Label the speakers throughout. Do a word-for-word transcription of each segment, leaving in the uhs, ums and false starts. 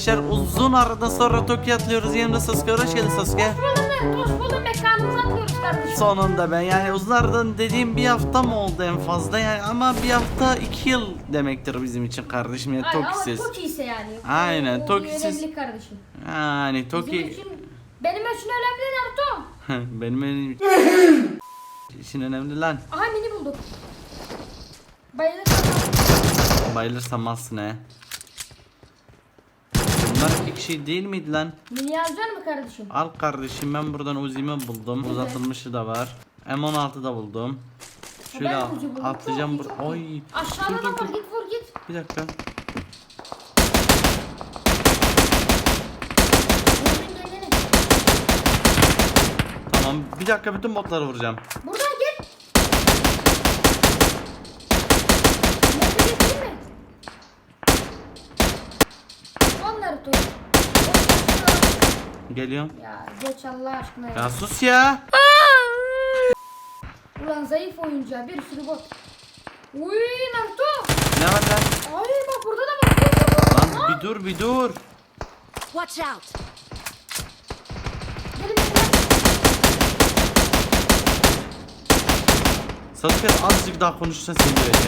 Speaker 1: arkadaşlar, uzun aradan sonra Tokyo'ya atlıyoruz. Yanımda Sasuke, hoş geldin Sasuke.
Speaker 2: Hoş buldum, hoş buldum. Mekanımıza atlıyoruz kardeşim.
Speaker 1: Sonunda ben yani uzun aradan dediğim bir hafta mı oldu en fazla yani, ama bir hafta iki yıl demektir bizim için kardeşim yani.
Speaker 2: Ay, ama
Speaker 1: Tokyo'siz.
Speaker 2: çok iyiyse yani.
Speaker 1: Aynen,
Speaker 2: O- o
Speaker 1: Tokyo'siz.
Speaker 2: önemli kardeşim.
Speaker 1: Yani
Speaker 2: Bizim
Speaker 1: Tokyo
Speaker 2: için, benim için önemli Naruto.
Speaker 1: benim benim için önemli lan.
Speaker 2: Aha mini bulduk. Bayılır.
Speaker 1: Bayılırsam alsın he. Bunlar iki kişi değil miydi lan?
Speaker 2: Mini yazacak mı kardeşim?
Speaker 1: Al kardeşim, ben buradan Uzi'mi buldum.
Speaker 2: Evet.
Speaker 1: Uzatılmışı da var. M on altı da buldum. Şöyle
Speaker 2: Ben
Speaker 1: al-
Speaker 2: Uzi buldum.
Speaker 1: atlayacağım
Speaker 2: Çok
Speaker 1: bur.
Speaker 2: iyi, çok
Speaker 1: Oy.
Speaker 2: iyi. Aşağıda
Speaker 1: Dur,
Speaker 2: da
Speaker 1: dur,
Speaker 2: var,
Speaker 1: dur.
Speaker 2: git vur git.
Speaker 1: Bir dakika.
Speaker 2: Vurdun kendini.
Speaker 1: Tamam. Bir dakika, bütün botları vuracağım.
Speaker 2: Buradan git. Nerede getireyim mi? Lan Naruto.
Speaker 1: Geliyorum.
Speaker 2: Ya geç Allah aşkına ya.
Speaker 1: Ya sus ya.
Speaker 2: Ulan zayıf oyuncu, bir sürü bot. Uy Naruto.
Speaker 1: Ne var lan?
Speaker 2: Ay bak burada da bak. Burada da bak.
Speaker 1: Lan bir dur bir dur.
Speaker 3: Watch out!
Speaker 2: Gelin gelin.
Speaker 1: Sasuke, azıcık daha konuşsan seni döveceğim.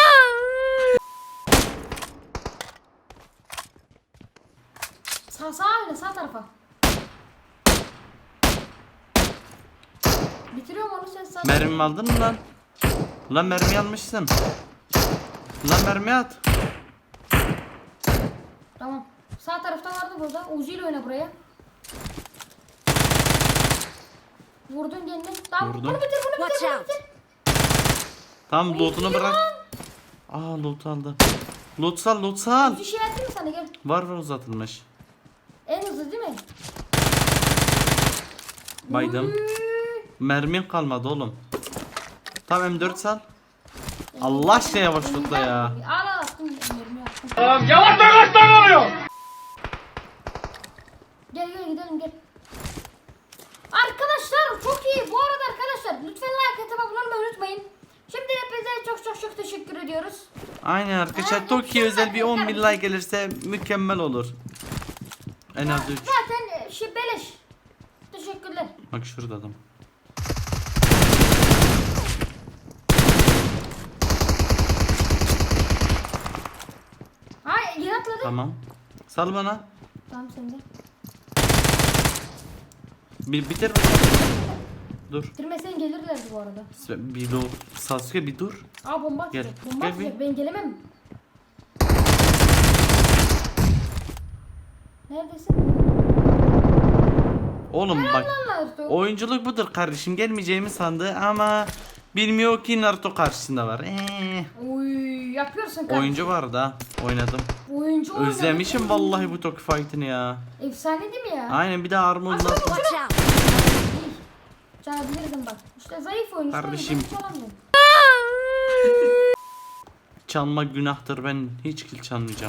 Speaker 2: Sağ sağ öyle sağ tarafa. Bitiriyorum onu sen sağ.
Speaker 1: Mermimi aldın mı lan? Lan mermi almışsın. Lan mermi at.
Speaker 2: Tamam. Sağ tarafta vardı burada. Uzi ile oyna buraya. Vurdun kendini. Tamam.
Speaker 1: Vurdum.
Speaker 2: Bunu bitir bunu bitir
Speaker 3: Watch
Speaker 2: bunu
Speaker 3: out.
Speaker 2: bitir.
Speaker 1: Tamam, lootunu bırak. Aa, loot aldı. Loot sal, loot sal.
Speaker 2: Uzi şey atayım mı sana, gel.
Speaker 1: Var var, uzatılmış.
Speaker 2: En hızlı değil mi?
Speaker 1: Baydım.
Speaker 2: Uy.
Speaker 1: Mermin kalmadı oğlum. Tamam, M dört sal. Allah aşkına yavaş tutla ya.
Speaker 2: Al al attım. Mermi attım.
Speaker 4: Yavaş yavaş oluyor.
Speaker 2: Gel gel gidelim gel. Arkadaşlar çok iyi. Bu arada arkadaşlar lütfen like atıp abone olmayı unutmayın. Şimdi hepinize çok çok çok teşekkür ediyoruz.
Speaker 1: Aynen arkadaşlar, Tokyo özel bir on bin like gelirse mükemmel olur. En az üç.
Speaker 2: Zaten şey beleş. Teşekkürler.
Speaker 1: Bak şurada adam.
Speaker 2: Hayır yere atladı. Tamam,
Speaker 1: Tamam. Sal bana.
Speaker 2: sen de.
Speaker 1: Bir bitir. Dur.
Speaker 2: Bitirmesen gelirlerdi bu arada.
Speaker 1: Bir dur. Sasuke bir dur.
Speaker 2: Aa bomba
Speaker 1: Gel,
Speaker 2: atacak. Bomba
Speaker 1: gel
Speaker 2: atacak. Ben gelemem. Neredesin?
Speaker 1: Oğlum bak.
Speaker 2: Lan Naruto.
Speaker 1: Oyunculuk budur kardeşim. Gelmeyeceğimi sandı ama bilmiyor ki Naruto karşısında var. Ee,
Speaker 2: Uy yapıyorsun kardeşim.
Speaker 1: oyuncu var da oynadım.
Speaker 2: Oyuncu oynadı.
Speaker 1: Özlemişim vallahi bu Tokyo Fight'ını ya.
Speaker 2: Efsane değil mi ya?
Speaker 1: Aynen, bir de armorla.
Speaker 3: Watch out!
Speaker 2: Çalabilirdim bak. İşte zayıf oyuncu.
Speaker 1: Kardeşim.
Speaker 2: Çalamıyorum.
Speaker 1: Çalma günahtır, ben hiç kill çalmayacağım.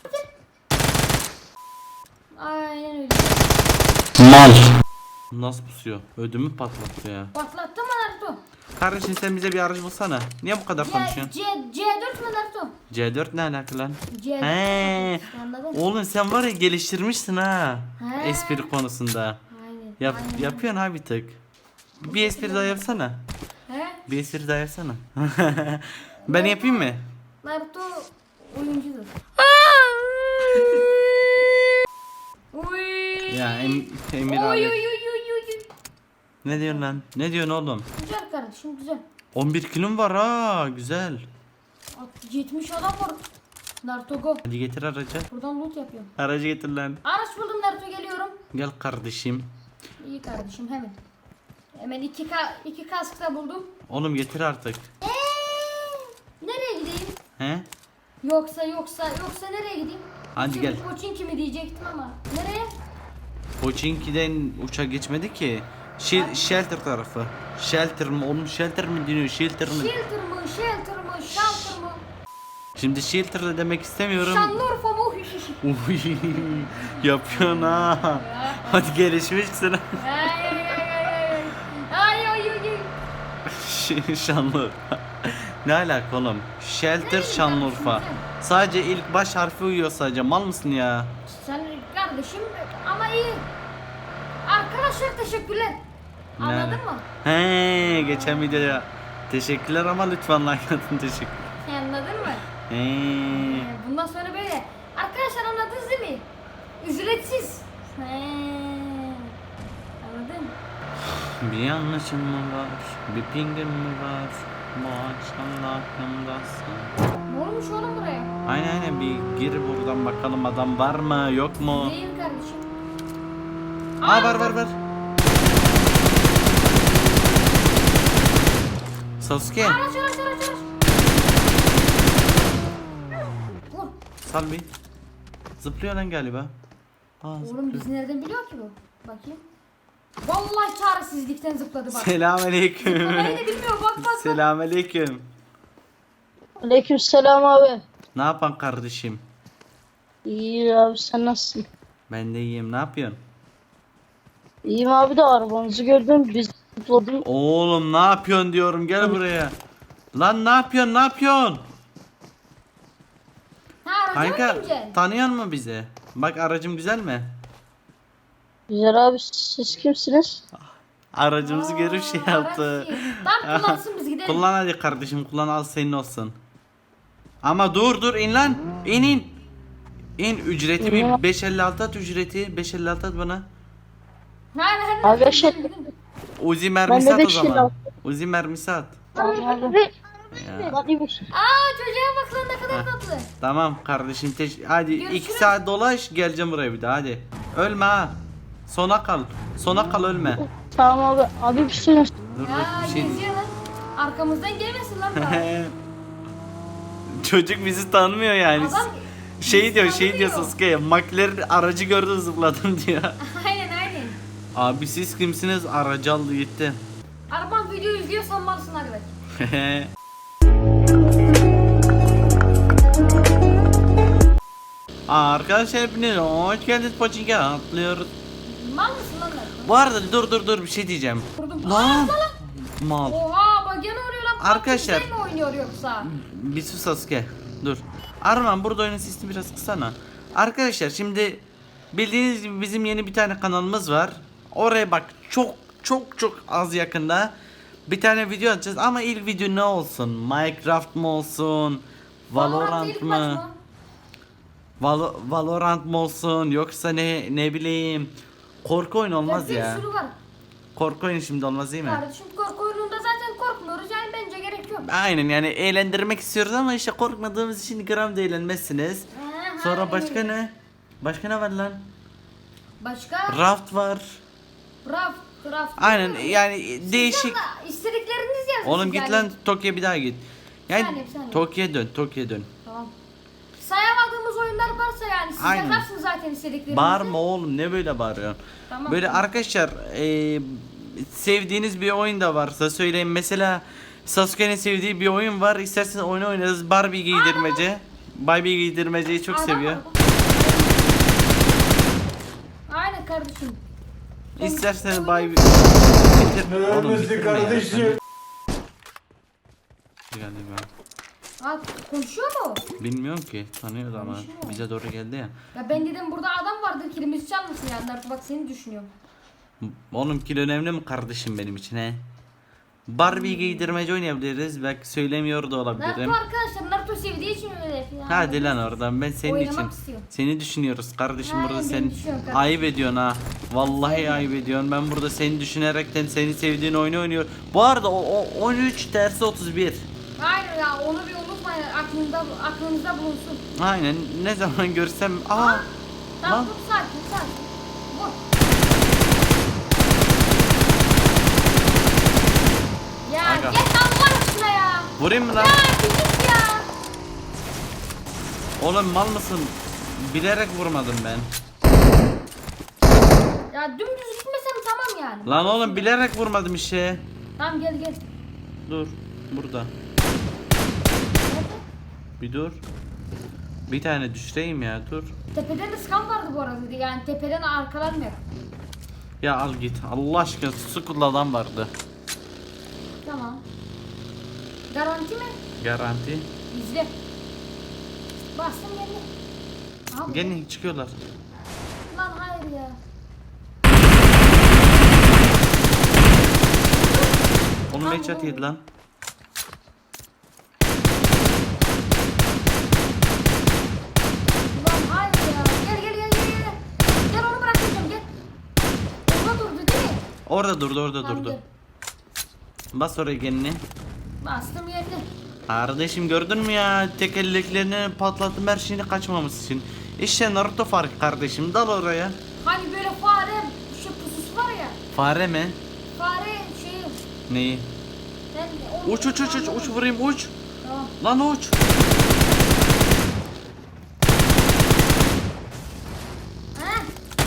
Speaker 2: Aynen öyle.
Speaker 1: Mal. Nasıl pusuyor? Ödümü patlattı ya.
Speaker 2: Patlattı mı Naruto?
Speaker 1: Kardeşim sen bize bir aracı bulsana. Niye bu kadar
Speaker 2: C,
Speaker 1: konuşuyorsun?
Speaker 2: C, C4 mü Naruto?
Speaker 1: C dört ne alaka lan?
Speaker 2: C dört.
Speaker 1: He.
Speaker 2: Anladın?
Speaker 1: Oğlum sen var ya, geliştirmişsin ha.
Speaker 2: He.
Speaker 1: Espri konusunda.
Speaker 2: Aynen.
Speaker 1: Yap,
Speaker 2: aynen.
Speaker 1: yapıyorsun ha bir tık. Bir espri daha yapsana.
Speaker 2: He?
Speaker 1: Bir espri daha yapsana. Ben yapayım mı?
Speaker 2: Naruto oyuncudur. Uy.
Speaker 1: Ya em, Emir
Speaker 2: Oy oy
Speaker 1: abi.
Speaker 2: oy oy oy.
Speaker 1: Ne diyorsun lan? Ne diyorsun oğlum?
Speaker 2: Güzel kardeşim güzel.
Speaker 1: on bir kilom var ha, güzel.
Speaker 2: At- yetmiş adam var. Naruto go.
Speaker 1: Hadi getir aracı.
Speaker 2: Buradan loot yapıyorum.
Speaker 1: Aracı getir lan.
Speaker 2: Araç buldum Naruto, geliyorum.
Speaker 1: Gel kardeşim.
Speaker 2: İyi kardeşim hemen. Hemen iki, ka iki kask da buldum.
Speaker 1: Oğlum getir artık.
Speaker 2: Eee, nereye gideyim?
Speaker 1: He?
Speaker 2: Yoksa yoksa yoksa nereye gideyim?
Speaker 1: Hadi
Speaker 2: Şimdi
Speaker 1: gel.
Speaker 2: Pochinki mi diyecektim ama. Nereye?
Speaker 1: Pochinki'den uçak geçmedi ki. Şil, shelter tarafı. Shelter mı? Oğlum shelter mi deniyor? Shelter mi?
Speaker 2: Shelter mı? Shelter mı? Shelter mı?
Speaker 1: Şimdi shelter de demek istemiyorum.
Speaker 2: Şanlıurfa mı?
Speaker 1: Uy, yapıyorsun ha. Hadi gelişmişsin.
Speaker 2: Ay ay ay ay. Ay ay ay ay.
Speaker 1: Şanlıurfa. Ne alaka oğlum? Shelter Şanlıurfa. Sadece ilk baş harfi uyuyor sadece. Mal mısın ya?
Speaker 2: Sen kardeşim ama iyi. Arkadaşlar teşekkürler. Anladın
Speaker 1: Yani.
Speaker 2: mı?
Speaker 1: He, geçen videoya teşekkürler ama lütfen like atın, teşekkür.
Speaker 2: Anladın mı?
Speaker 1: He.
Speaker 2: Ee, Bundan sonra böyle. Arkadaşlar anladınız değil mi? Ücretsiz. He. Anladın?
Speaker 1: Bir yanlışım mı var? Bir pingim mi var? Bu akşam aklımdasın.
Speaker 2: Ne olmuş oğlum buraya?
Speaker 1: Aynen aynen, bir gir buradan bakalım, adam var mı yok mu?
Speaker 2: Değil kardeşim.
Speaker 1: Aa, var var var. Sasuke,
Speaker 2: Araç araç araç araç. Vur.
Speaker 1: sal bir. Zıplıyor lan galiba. Aa,
Speaker 2: Oğlum
Speaker 1: zıplıyor.
Speaker 2: biz nereden biliyor ki bu? Bakayım. Vallahi çaresizlikten zıpladı bak.
Speaker 1: Selamünaleyküm.
Speaker 2: Zıplamayı da bilmiyor bak bak bak.
Speaker 1: Selamünaleyküm.
Speaker 5: Aleykümselam abi.
Speaker 1: Ne yapan kardeşim?
Speaker 5: İyi abi sen nasılsın?
Speaker 1: Ben de iyiyim. Ne yapıyorsun?
Speaker 5: İyiyim abi de arabanızı gördüm biz zıpladım.
Speaker 1: Oğlum ne yapıyorsun diyorum, gel buraya. Lan ne yapıyorsun, ne yapıyorsun?
Speaker 2: Ha aracı mı
Speaker 1: Kanka
Speaker 2: bineceksin?
Speaker 1: tanıyor musun bizi? Bak aracım güzel mi?
Speaker 5: Güzel abi siz kimsiniz?
Speaker 1: Aracımızı görüp şey
Speaker 2: Aa,
Speaker 1: yaptı.
Speaker 2: araç iyi. Tamam kullansın biz gidelim.
Speaker 1: Kullan hadi kardeşim, kullan, al senin olsun. Ama dur dur, in lan. İn in. İn, ücreti bir beş elli altı at, ücreti beş elli altı at bana.
Speaker 2: Hayır hayır.
Speaker 5: Abi
Speaker 2: hayır,
Speaker 5: şey-
Speaker 2: gidelim, gidelim.
Speaker 1: Uzi mermisi at o
Speaker 5: beş elli
Speaker 1: zaman.
Speaker 5: altı.
Speaker 1: Uzi mermisi at.
Speaker 5: Abi.
Speaker 1: Ya.
Speaker 5: Lan iyi bir-
Speaker 2: Aa çocuğa bak lan ne kadar tatlı.
Speaker 1: Tamam kardeşim, teş hadi iki
Speaker 2: Görüşürüz.
Speaker 1: saat dolaş, geleceğim buraya bir daha, hadi. Ölme ha. Sona kal. Sona kal, ölme.
Speaker 5: Tamam abi. Abi bir şey
Speaker 1: Dur
Speaker 2: Ya
Speaker 1: dur bir şey.
Speaker 2: geziyor lan. Arkamızdan gelmesin lan bana.
Speaker 1: Çocuk bizi tanımıyor yani.
Speaker 2: Adam
Speaker 1: Şey
Speaker 2: bizi
Speaker 1: diyor, şey diyor
Speaker 2: tanımıyor.
Speaker 1: Sasuke. McLaren aracı gördüm, zıpladım diyor.
Speaker 2: Aynen aynen.
Speaker 1: Abi siz kimsiniz? Aracı aldı gitti.
Speaker 2: Araban video izliyorsan malsın arkadaş.
Speaker 1: Arkadaşlar hepiniz hoş geldiniz, Pochinki atlıyoruz.
Speaker 2: Mal mısın lan lan?
Speaker 1: Bu arada dur dur dur bir şey diyeceğim.
Speaker 2: Vurdum.
Speaker 1: Lan mal.
Speaker 2: Oha bak gene vuruyor lan.
Speaker 1: Arkadaşlar-
Speaker 2: Sen mi oynuyor yoksa?
Speaker 1: Bir sus Sasuke. Dur. Arman burada oyunun sesini biraz kısana. Arkadaşlar şimdi bildiğiniz gibi bizim yeni bir tane kanalımız var. Oraya bak, çok çok çok az yakında bir tane video atacağız ama ilk video ne olsun? Minecraft mı olsun? Valorant
Speaker 2: ilk
Speaker 1: mı?
Speaker 2: maç mı?
Speaker 1: Valo- Valorant mı olsun, yoksa ne ne bileyim, korku oyunu olmaz
Speaker 2: Bir
Speaker 1: ya.
Speaker 2: sürü var.
Speaker 1: Korku oyunu şimdi olmaz değil mi?
Speaker 2: Kardeşim korku oyununda zaten korkmuyoruz yani bence gerek yok.
Speaker 1: Aynen, yani eğlendirmek istiyoruz ama işte korkmadığımız için gram da eğlenmezsiniz.
Speaker 2: Aha,
Speaker 1: Sonra başka
Speaker 2: öyle.
Speaker 1: ne? Başka ne var lan?
Speaker 2: Başka?
Speaker 1: Raft var.
Speaker 2: Raft, raft.
Speaker 1: Aynen yani değişik.
Speaker 2: Sizden de istedikleriniz yazın.
Speaker 1: Oğlum git lan Tokyo'ya bir daha git. Yani
Speaker 2: Bir saniye, bir saniye.
Speaker 1: Tokyo'ya dön, Tokyo'ya dön.
Speaker 2: Tamam. Sayamadığımız oyunlar varsa yani siz
Speaker 1: Aynen.
Speaker 2: yazarsınız zaten istediklerinizi.
Speaker 1: Bağırma oğlum, ne böyle bağırıyorsun?
Speaker 2: Tamam,
Speaker 1: Böyle
Speaker 2: tamam.
Speaker 1: arkadaşlar eee, sevdiğiniz bir oyun da varsa söyleyin. Mesela Sasuke'nin sevdiği bir oyun var. İsterseniz oyunu oynarız. Barbie giydirmece. Barbie giydirmeceyi çok
Speaker 2: Adam
Speaker 1: seviyor.
Speaker 2: var. Aynen kardeşim.
Speaker 1: İsterseniz Barbie... Oğlum bitirme ya.
Speaker 4: kardeşim.
Speaker 1: Galiba.
Speaker 2: Aa, konuşuyor mu?
Speaker 1: Bilmiyorum ki. Tanıyordu ama.
Speaker 2: Konuşuyor.
Speaker 1: Bize doğru geldi ya.
Speaker 2: Ya ben dedim burada adam vardır kilimizi çalmasın yani. Artık bak seni düşünüyorum.
Speaker 1: Oğlum kil önemli mi kardeşim benim için he? Barbie giydirmece oynayabiliriz. Belki söylemiyor da
Speaker 2: Naruto
Speaker 1: olabilirim.
Speaker 2: arkadaşlar Naruto sevdiği için öyle. Yani.
Speaker 1: Hadi lan oradan, ben senin
Speaker 2: Oynamak
Speaker 1: için.
Speaker 2: istiyor.
Speaker 1: Seni düşünüyoruz kardeşim,
Speaker 2: Aynen,
Speaker 1: burada
Speaker 2: beni
Speaker 1: sen
Speaker 2: düşünüyorum kardeşim.
Speaker 1: ayıp ediyorsun ha. Vallahi ayıp ediyorsun. Ben burada seni düşünerekten seni sevdiğin oyunu oynuyor. Bu arada o, o on üç dersi otuz bir.
Speaker 2: Aynen ya onu bir unutmayın aklınızda, aklınızda bulunsun.
Speaker 1: Aynen, ne zaman görsem aa
Speaker 2: Tamam
Speaker 1: lan.
Speaker 2: dur sakin sakin. Vur. Ya
Speaker 1: Aga.
Speaker 2: git Allah aşkına ya.
Speaker 1: Vurayım mı lan?
Speaker 2: Ya bir git ya.
Speaker 1: Oğlum mal mısın? Bilerek vurmadım ben.
Speaker 2: Ya dümdüz gitmesem tamam yani.
Speaker 1: Lan oğlum bilerek vurmadım işte.
Speaker 2: Tamam gel gel.
Speaker 1: Dur burada.
Speaker 2: Nerede?
Speaker 1: Bir dur. Bir tane düşüreyim ya, dur.
Speaker 2: Tepeden de skam vardı bu arada yani tepeden arkalanmıyor.
Speaker 1: Ya al git. Allah aşkına, Skull'da adam vardı.
Speaker 2: Tamam. Garanti mi?
Speaker 1: Garanti.
Speaker 2: İzle. Bastım geldi. Abi.
Speaker 1: Gene çıkıyorlar.
Speaker 2: Lan hayır ya.
Speaker 1: Oğlum headshot yedi lan.
Speaker 2: Ulan hayır ya. Gel gel gel gel gel. Gel onu bırakacağım gel. Orada durdu değil mi?
Speaker 1: Orada durdu orada
Speaker 2: Tamam,
Speaker 1: durdu.
Speaker 2: gel.
Speaker 1: Bas oraya gelini.
Speaker 2: Bastım yerine.
Speaker 1: Kardeşim gördün mü ya? Tekerleklerini patlattım her şeyini kaçmaması için. İşte Naruto farkı kardeşim. Dal oraya.
Speaker 2: Hani böyle fare şey pususu var ya.
Speaker 1: Fare mi?
Speaker 2: Fare şeyi.
Speaker 1: Neyi?
Speaker 2: Ben onu
Speaker 1: Uç uç uç uç uç vurayım uç.
Speaker 2: Tamam.
Speaker 1: Lan uç.
Speaker 2: Ha?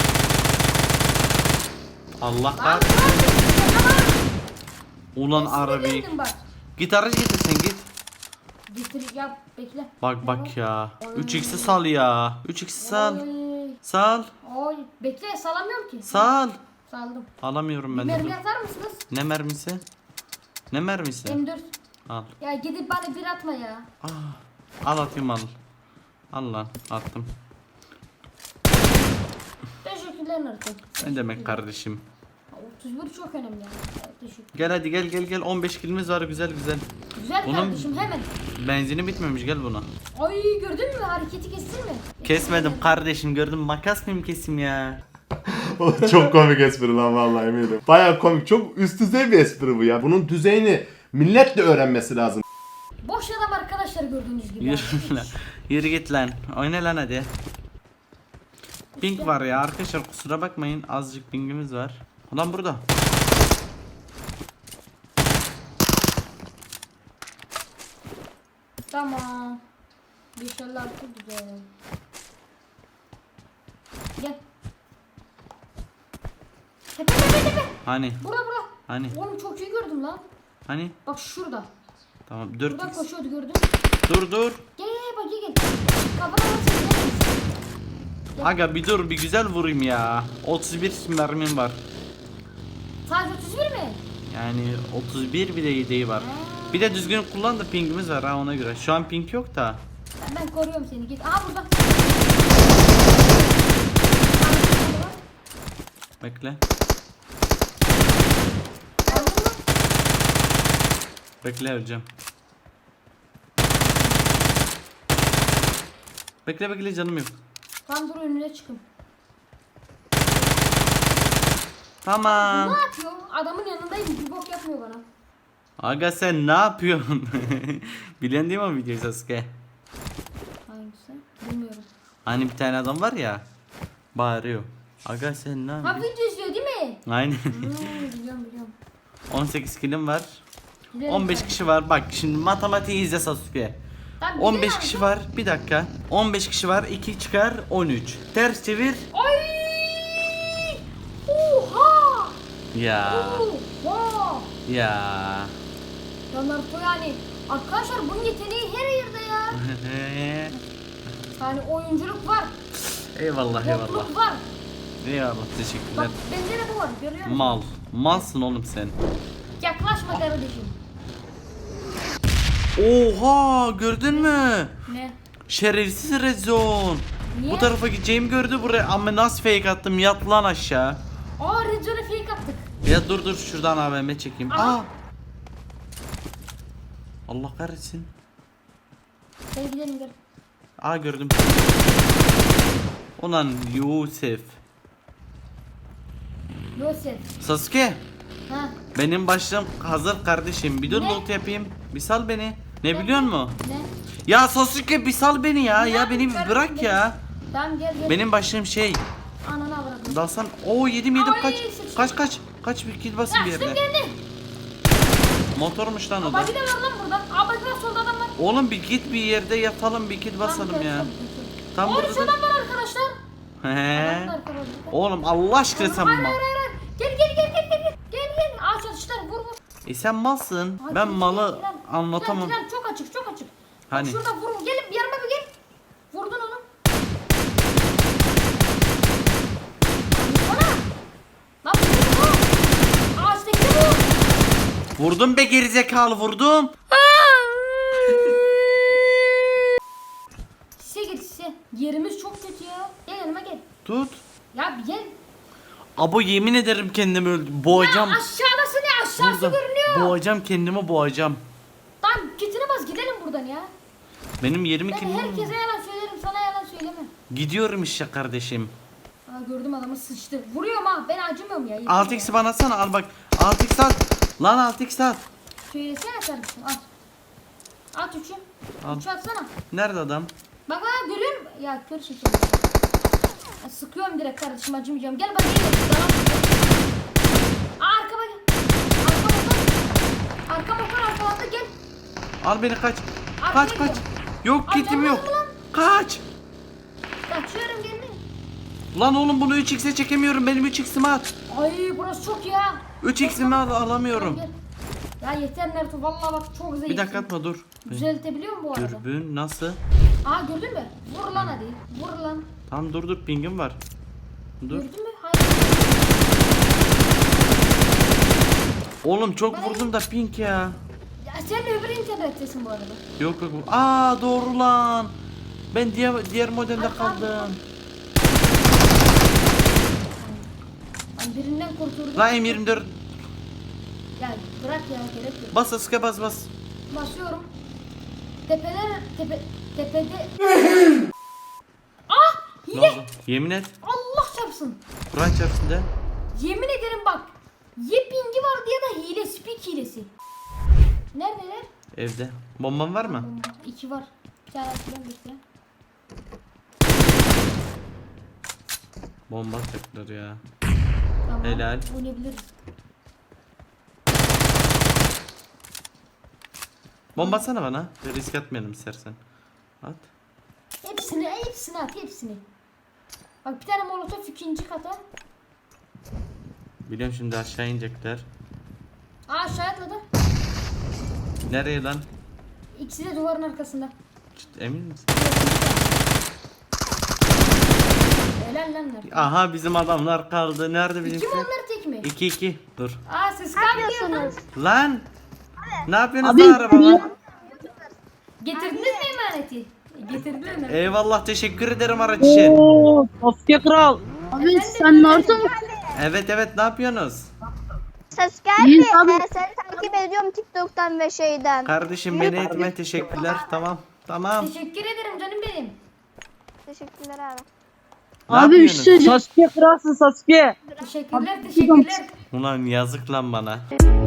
Speaker 1: Allah
Speaker 2: Lan
Speaker 1: kah.
Speaker 2: dur. Tamam.
Speaker 1: Ulan arabi.
Speaker 2: Sinirlendim bak.
Speaker 1: Gitarı getir sen git.
Speaker 2: Getir yap bekle.
Speaker 1: Bak bak ya. üç x'i sal ya. üç x'i sal.
Speaker 2: Oy.
Speaker 1: Sal.
Speaker 2: Oy. Bekle salamıyorum ki.
Speaker 1: Sal.
Speaker 2: Saldım.
Speaker 1: Alamıyorum ben
Speaker 2: Mermi
Speaker 1: de.
Speaker 2: atar mısınız?
Speaker 1: Ne mermisi? Ne mermisi?
Speaker 2: M dört.
Speaker 1: Al.
Speaker 2: Ya gidip bana bir atma ya.
Speaker 1: Ah. Al atayım al. Al lan attım.
Speaker 2: Teşekkürler Naruto.
Speaker 1: Ne demek kardeşim?
Speaker 2: otuz bir çok önemli yani. Evet, teşekkür.
Speaker 1: Gel hadi gel gel gel on beş kilimiz var güzel güzel.
Speaker 2: Güzel
Speaker 1: Bunun-
Speaker 2: kardeşim hemen.
Speaker 1: Benzini bitmemiş gel buna.
Speaker 2: Ay gördün mü hareketi kestin mi?
Speaker 1: Kesmedim kardeşim gördüm makas mıyım kesim ya.
Speaker 6: Çok komik espri lan vallahi eminim. Baya komik. Çok üst düzey bir espri bu ya. Bunun düzeyini millet de öğrenmesi lazım.
Speaker 2: Boş adam arkadaşlar gördüğünüz gibi.
Speaker 1: Yürü lan. Yürü git lan. Oyna lan hadi. Ping var ya arkadaşlar kusura bakmayın azıcık pingimiz var. Ulan burada.
Speaker 2: Tamam. beş elli altı güzel. Gel. Tepe tepe tepe.
Speaker 1: Hani
Speaker 2: Bura bura.
Speaker 1: hani
Speaker 2: Oğlum çok iyi gördüm lan.
Speaker 1: hani.
Speaker 2: Bak şurada.
Speaker 1: Tamam dört
Speaker 2: Buradan
Speaker 1: x.
Speaker 2: koşuyordu gördün.
Speaker 1: Dur dur.
Speaker 2: Gel gel bak gel gel. Kafana basın gel.
Speaker 1: Aga bir dur bir güzel vurayım ya. otuz bir mermim var.
Speaker 2: Sadece otuz bir mi?
Speaker 1: Yani otuz bir bir de yedeği var. Bir de düzgün kullan da pingimiz var ha ona göre. Şu an ping yok da.
Speaker 2: Ben, ben koruyorum seni git. Aha burada.
Speaker 1: Bekle.
Speaker 2: Aldın mı?
Speaker 1: Bekle öleceğim. Bekle bekle canım yok.
Speaker 2: Tam dur önüne çıkın.
Speaker 1: Tamam.
Speaker 2: Ne yapıyor? Adamın yanındayım bir bok yapmıyor bana.
Speaker 1: Aga sen ne yapıyorsun? Bilen değil mi o videoyu Sasuke?
Speaker 2: Hangisi? Bilmiyorum.
Speaker 1: Hani bir tane adam var ya. Bağırıyor. Aga sen ne
Speaker 2: Ha
Speaker 1: yapıyorsun?
Speaker 2: video izliyor değil mi?
Speaker 1: Aynen.
Speaker 2: Hmm, biliyorum biliyorum.
Speaker 1: on sekiz kilim var.
Speaker 2: Gidelim
Speaker 1: on beş
Speaker 2: sen.
Speaker 1: kişi var. Bak şimdi matematiği izle Sasuke.
Speaker 2: Tamam,
Speaker 1: on beş
Speaker 2: gidelim
Speaker 1: kişi
Speaker 2: abi.
Speaker 1: var. Bir dakika. on beş kişi var. iki çıkar on üç. Ters çevir.
Speaker 2: Ay! Oha!
Speaker 1: Ya.
Speaker 2: Oha!
Speaker 1: Ya.
Speaker 2: Ya Naruto yani arkadaşlar bunun yeteneği her yerde ya. Yani oyunculuk var,
Speaker 1: eyvallah eyvallah.
Speaker 2: yokluk var.
Speaker 1: Eyvallah
Speaker 2: Bak
Speaker 1: teşekkürler.
Speaker 2: bende de bu var görüyor musun?
Speaker 1: Mal. Malsın oğlum sen.
Speaker 2: Yaklaşma kardeşim.
Speaker 1: Oha gördün mü?
Speaker 2: Ne?
Speaker 1: Şerefsiz rezon.
Speaker 2: Niye?
Speaker 1: Bu tarafa gideceğimi gördü buraya ama nasıl fake attım yat lan aşağı.
Speaker 2: Aa Red Zone'a fake attık.
Speaker 1: Ya dur dur şuradan A V M çekeyim.
Speaker 2: Aha.
Speaker 1: Aa. Allah kahretsin.
Speaker 2: Hadi gidelim gel.
Speaker 1: Aa gördüm. Ulan Yusuf.
Speaker 2: Yosef.
Speaker 1: Sasuke.
Speaker 2: Ha
Speaker 1: Benim başlığım hazır kardeşim. Bir dur
Speaker 2: Ne?
Speaker 1: loot yapayım. Bir sal beni. Ne biliyor musun?
Speaker 2: ne?
Speaker 1: Ya Sasuke bir sal beni ya.
Speaker 2: Ne
Speaker 1: Ya beni bir
Speaker 2: yapayım
Speaker 1: bırak
Speaker 2: kardeşim,
Speaker 1: ya.
Speaker 2: Tamam gel gel.
Speaker 1: Benim başlığım şey.
Speaker 2: Ananı avradım.
Speaker 1: Dalsan. Oo yedim yedim
Speaker 2: Ay,
Speaker 1: kaç.
Speaker 2: sıçtım.
Speaker 1: Kaç kaç. Kaç bir kill basın bir
Speaker 2: Açtım
Speaker 1: yerde.
Speaker 2: geldi.
Speaker 1: Motormuş lan o da.
Speaker 2: Bagi de var lan burada. Aa bagi var solda adam var.
Speaker 1: Oğlum bir git bir yerde yatalım bir kill basalım
Speaker 2: Tamam,
Speaker 1: ya.
Speaker 2: tamam,
Speaker 1: Tam
Speaker 2: tamam.
Speaker 1: burada
Speaker 2: Orada
Speaker 1: da-
Speaker 2: adam var arkadaşlar.
Speaker 1: He.
Speaker 2: Adam var arkadaşlar.
Speaker 1: Oğlum Allah aşkına sen
Speaker 2: Hayır
Speaker 1: mal.
Speaker 2: hayır hayır. hayır. Gel gel gel gel gel. Gel gel. Aa çalıştılar vur vur.
Speaker 1: E sen malsın.
Speaker 2: Hadi,
Speaker 1: Ben
Speaker 2: gel,
Speaker 1: malı
Speaker 2: gel, gel.
Speaker 1: anlatamam.
Speaker 2: Gel, gel, çok açık çok açık.
Speaker 1: Hani?
Speaker 2: Bak şurada vurun. Gelin bir yanıma bir gel. Vurdun onu. Ana. Lan vurdun mu? Ağaçtaki bu.
Speaker 1: Vurdum be gerizekalı vurdum.
Speaker 2: Sise git sise. Yerimiz çok kötü ya. Gel yanıma gel.
Speaker 1: Tut.
Speaker 2: Ya bir gel.
Speaker 1: Abo yemin ederim kendimi öldüm. Boğacağım.
Speaker 2: Ya aşağıdası ne? Aşağısı
Speaker 1: Burada.
Speaker 2: görünüyor.
Speaker 1: Boğacağım kendimi boğacağım.
Speaker 2: Tamam kitine bas gidelim buradan ya.
Speaker 1: Benim yerimi
Speaker 2: Ben
Speaker 1: kim?
Speaker 2: herkese yalan söylerim, sana yalan söyleme.
Speaker 1: Gidiyorum işte kardeşim.
Speaker 2: Aa, gördüm adamı sıçtı. Vuruyorum ha, ben acımıyorum ya. yeter
Speaker 1: altı
Speaker 2: ya.
Speaker 1: x'i bana atsana, al bak. altı x at. Lan altı x at.
Speaker 2: Söylesene kardeşim, at. At üçü.
Speaker 1: Al.
Speaker 2: Üçü atsana.
Speaker 1: Nerede adam?
Speaker 2: Bak ha, görüyor musun? Ya kör şeker. Ya, sıkıyorum direkt kardeşim, acımayacağım. Gel bak gel. Aa arkama gel. Arka motor. Arka motor arkalandı, gel.
Speaker 1: Al beni, kaç.
Speaker 2: Arkaya
Speaker 1: Kaç kaç.
Speaker 2: gidiyorum.
Speaker 1: Yok
Speaker 2: Ay,
Speaker 1: kitim
Speaker 2: canım
Speaker 1: yok.
Speaker 2: lan.
Speaker 1: Kaç.
Speaker 2: Kaçıyorum gelme.
Speaker 1: Lan oğlum bunu üç x'e çekemiyorum. Benim üç x'imi at.
Speaker 2: Ay burası çok ya.
Speaker 1: üç x'imi al, alamıyorum.
Speaker 2: Gel. Ya yeter Naruto, vallahi bak çok zayıfsın.
Speaker 1: Bir dakika atma, dur.
Speaker 2: Düzeltebiliyor musun bu arada?
Speaker 1: Dürbün nasıl?
Speaker 2: Aa gördün mü? Vur lan hadi. Vur lan.
Speaker 1: Tamam dur dur, pingim var. Dur.
Speaker 2: Gördün mü? Hayır.
Speaker 1: Oğlum çok vurdum da ping ya.
Speaker 2: Ya sen de öbür internettesin bu arada.
Speaker 1: Yok yok. Aa doğru lan. Ben diğer diğer modelde
Speaker 2: Ay,
Speaker 1: kaldım.
Speaker 2: Ben birinden kurtuldum.
Speaker 1: Lan M yirmi dört.
Speaker 2: Ya bırak ya, gerek yok.
Speaker 1: Bas aska bas bas.
Speaker 2: Basıyorum. Tepeler tepe tepede. Ah!
Speaker 1: Ne
Speaker 2: Hile!
Speaker 1: oldu? Yemin et.
Speaker 2: Allah çarpsın.
Speaker 1: Kur'an çarpsın de.
Speaker 2: Yemin ederim bak. Yepingi var diye da hile, speak hilesi. Neredeler?
Speaker 1: Evde. Bomban var mı?
Speaker 2: Bomba. İki var. Bir tane atacağım bekle.
Speaker 1: Bomba atacaklar ya.
Speaker 2: Tamam.
Speaker 1: Helal.
Speaker 2: Oynayabiliriz.
Speaker 1: Bomba atsana bana. Bir risk atmayalım istersen. At.
Speaker 2: Hepsini, hepsini at, hepsini. Bak bir tane molotof ikinci kata.
Speaker 1: Biliyorum şimdi aşağı inecekler.
Speaker 2: Aa aşağı atladı.
Speaker 1: Nereye lan?
Speaker 2: İkisi de duvarın arkasında.
Speaker 1: Ciddi, emin misin?
Speaker 2: Helal lan nerede?
Speaker 1: Aha bizim adamlar kaldı. Nerede
Speaker 2: İki mi
Speaker 1: bizimkiler?
Speaker 2: onlar tek mi?
Speaker 1: iki iki. Dur.
Speaker 2: Aa siz kalmıyorsunuz.
Speaker 1: Lan. Ne yapıyorsunuz
Speaker 5: Abi,
Speaker 1: lan arabama?
Speaker 2: Getirdiniz mi emaneti? Getirdiler mi?
Speaker 1: Eyvallah, teşekkür ederim araç için.
Speaker 5: Oo, Sasuke kral. Abi sen Naruto musun?
Speaker 1: Evet evet, ne yapıyorsunuz?
Speaker 7: Sasuke
Speaker 5: İyi,
Speaker 7: abi,
Speaker 5: abi.
Speaker 7: e, seni takip ediyorum TikTok'tan ve şeyden.
Speaker 1: Kardeşim beni etme, teşekkürler. Tamam. Tamam.
Speaker 2: Teşekkür ederim canım benim.
Speaker 7: Teşekkürler abi.
Speaker 1: Ne
Speaker 5: Abi bir şey
Speaker 1: yapıyorsunuz?
Speaker 5: söyleyeceğim. Sasuke kralsın Sasuke.
Speaker 2: Teşekkürler, teşekkürler.
Speaker 1: Ulan yazık lan bana.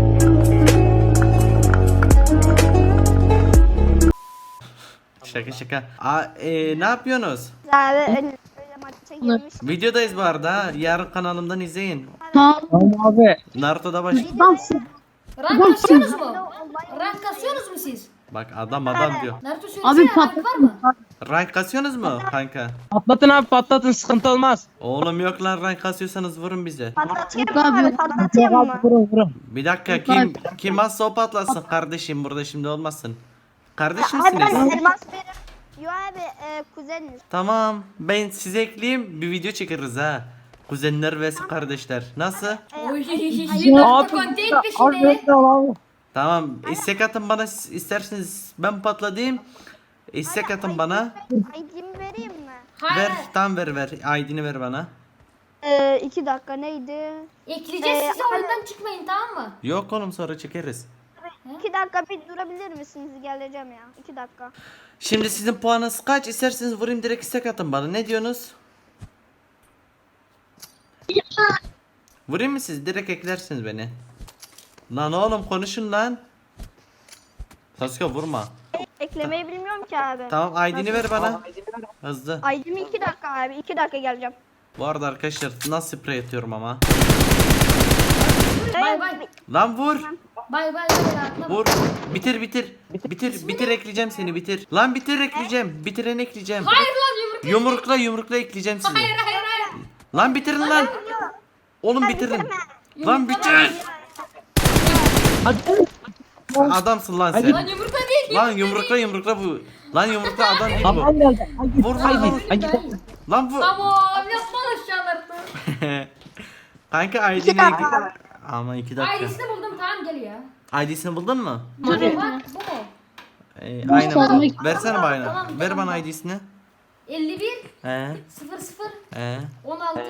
Speaker 1: Şaka şaka. Aa, e, ne yapıyorsunuz?
Speaker 7: Abi öyle, öyle maça girmiş.
Speaker 1: Videodayız bu arada. ha. Yarın kanalımdan izleyin.
Speaker 5: Tamam. Tamam abi.
Speaker 1: Naruto'da baş...
Speaker 5: Adamsın.
Speaker 2: Rank kasıyorsunuz mu? Rank kasıyorsunuz mu siz?
Speaker 1: Bak adam adam diyor.
Speaker 2: Naruto söylesene,
Speaker 5: Abi
Speaker 2: rank var mı?
Speaker 5: patlatın.
Speaker 1: Rank kasıyorsunuz mu kanka?
Speaker 8: Patlatın abi patlatın sıkıntı olmaz.
Speaker 1: Oğlum yok lan, rank kasıyorsanız vurun bize.
Speaker 7: Patlatayım
Speaker 5: Yok
Speaker 7: mı
Speaker 5: abi.
Speaker 7: abi? Patlatayım
Speaker 8: Abi
Speaker 7: mı?
Speaker 8: vurun vurun.
Speaker 1: Bir dakika, kim kim azsa o patlasın kardeşim, burada şimdi olmasın. Kardeş
Speaker 7: Abi ben
Speaker 1: misiniz?
Speaker 7: elmas benim. Yo abi e, kuzeniniz.
Speaker 1: Tamam, ben size ekleyeyim, bir video çekeriz ha. Kuzenler ve kardeşler. Nasıl?
Speaker 2: Oy,
Speaker 5: Abi,
Speaker 2: Naruto content
Speaker 8: Abi
Speaker 2: peşinde.
Speaker 8: bekle abi.
Speaker 1: Tamam, istek atın bana, siz isterseniz ben patladayım. İstek atın bana.
Speaker 7: I D'mi vereyim mi?
Speaker 2: Hayır.
Speaker 1: Ver, tam ver ver. I D'ni ver bana.
Speaker 7: E, iki dakika neydi?
Speaker 2: Ekleyeceğiz,
Speaker 7: Ee,
Speaker 2: siz oyundan çıkmayın tamam mı?
Speaker 1: Yok oğlum, sonra çekeriz.
Speaker 7: İki dakika bir durabilir misiniz? Geleceğim ya. İki dakika.
Speaker 1: Şimdi sizin puanınız kaç? İsterseniz vurayım, direkt istek atın bana. Ne diyorsunuz? Vurayım mı siz? Direkt eklersiniz beni. Lan oğlum konuşun lan. Sasuke vurma.
Speaker 7: Eklemeyi bilmiyorum ki abi.
Speaker 1: Tamam, I D'ni ver bana. Hızlı.
Speaker 7: I D'mi iki dakika abi. iki dakika geleceğim.
Speaker 1: Bu arada arkadaşlar nasıl sprey atıyorum ama.
Speaker 2: Bay bay.
Speaker 1: Lan vur.
Speaker 2: Bay bay bay rahatla.
Speaker 1: Vur. Bitir bitir. Bitir bitir ekleyeceğim seni, bitir. Lan bitir ekleyeceğim. Bitiren ekleyeceğim.
Speaker 2: Hayır lan yumruk.
Speaker 1: Yumrukla yumrukla ekleyeceğim sizi.
Speaker 2: Hayır hayır hayır.
Speaker 1: Lan bitirin lan. Oğlum bitirin. Lan bitir.
Speaker 8: Hadi.
Speaker 1: Adamsın lan sen.
Speaker 2: Lan yumrukla değil.
Speaker 1: Lan yumrukla yumrukla bu. Lan yumrukla adam değil
Speaker 8: Tamam
Speaker 1: bu.
Speaker 8: geldi. Hadi.
Speaker 1: Vur
Speaker 8: Haydi.
Speaker 1: lan.
Speaker 8: Hadi.
Speaker 1: Lan bu.
Speaker 2: Tamam yapma aşağıları.
Speaker 1: Kanka I D'ni ekle. Ama iki dakika.
Speaker 2: Ailesini buldum tamam gel ya.
Speaker 1: I D'sini buldun mu?
Speaker 2: Hadi. Bak bu mu?
Speaker 1: Ee, aynen bu.
Speaker 5: çalmak-
Speaker 1: Versene bana.
Speaker 2: Tamam,
Speaker 1: Ver
Speaker 2: tamam.
Speaker 1: bana I D'sini.
Speaker 2: elli bir
Speaker 1: He.
Speaker 2: sıfır sıfır
Speaker 1: He.
Speaker 2: on altı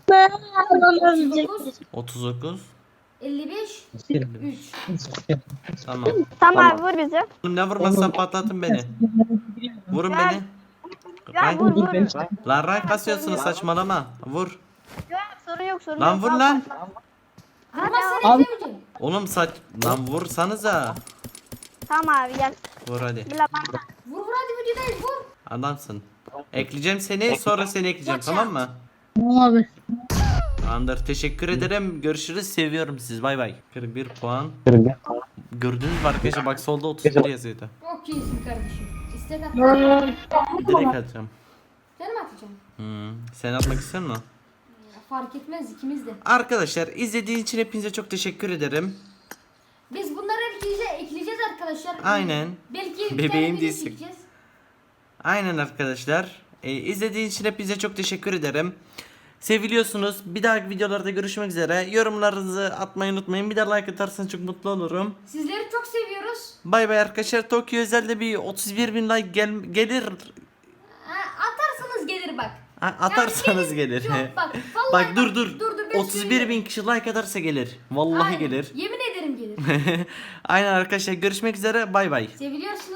Speaker 1: otuz dokuz.
Speaker 2: elli beş üç.
Speaker 1: Tamam.
Speaker 7: Tamam abi vur bizi.
Speaker 1: Oğlum ne vurmazsan patlatın beni. Vurun
Speaker 7: Ya-
Speaker 1: beni.
Speaker 7: Ya
Speaker 1: Rank-
Speaker 7: vur vur.
Speaker 1: Lan rank kasıyorsunuz saçmalama. Vur.
Speaker 7: Yok sorun yok sorun
Speaker 1: Lan
Speaker 7: yok.
Speaker 1: vur
Speaker 7: Al,
Speaker 1: lan.
Speaker 2: Vurmazsan
Speaker 8: Abi-
Speaker 2: eklemeyeceğim.
Speaker 1: Oğlum saç... Lan vursanıza.
Speaker 7: Tamam abi gel.
Speaker 1: Vur hadi.
Speaker 7: Bir lapan.
Speaker 2: Vur vur hadi videodayız vur.
Speaker 1: Adamsın. Ekleyeceğim seni sonra seni ekleyeceğim tamam mı?
Speaker 5: Tamam abi.
Speaker 1: Tamamdır teşekkür ederim. Görüşürüz seviyorum siz bay bay. kırk bir puan. Gördünüz mü arkadaşlar bak solda otuz bir yazıyordu.
Speaker 2: Çok iyisin kardeşim. İstek at.
Speaker 1: Direkt atacağım.
Speaker 2: Sen mi atacaksın?
Speaker 1: Hmm. Sen atmak istiyor musun?
Speaker 2: Ya, fark etmez ikimiz de.
Speaker 1: Arkadaşlar izlediğiniz için hepinize çok teşekkür ederim.
Speaker 2: Biz bunları ekleyeceğiz, ekleyeceğiz arkadaşlar.
Speaker 1: Aynen.
Speaker 2: Belki bir
Speaker 1: Bebeğim
Speaker 2: tane video
Speaker 1: değilsin.
Speaker 2: çekeceğiz.
Speaker 1: Aynen arkadaşlar. Ee, izlediğiniz için hepinize çok teşekkür ederim. Seviliyorsunuz. Bir dahaki videolarda görüşmek üzere. Yorumlarınızı atmayı unutmayın. Bir de like atarsanız çok mutlu olurum.
Speaker 2: Sizleri çok seviyoruz.
Speaker 1: Bay bay arkadaşlar. Tokyo özelde bir otuz bir bin like gel gelir.
Speaker 2: Ha, atarsanız gelir bak.
Speaker 1: Ha, atarsanız
Speaker 2: Yani
Speaker 1: gelir.
Speaker 2: Yok bak. Vallahi
Speaker 1: Bak dur dur.
Speaker 2: Dur dur ben
Speaker 1: otuz bir
Speaker 2: söyleyeyim.
Speaker 1: bin kişi like atarsa gelir. Vallahi
Speaker 2: Aynen.
Speaker 1: gelir.
Speaker 2: Yemin ederim gelir.
Speaker 1: Aynen arkadaşlar görüşmek üzere. Bay bay.
Speaker 2: Seviliyorsunuz.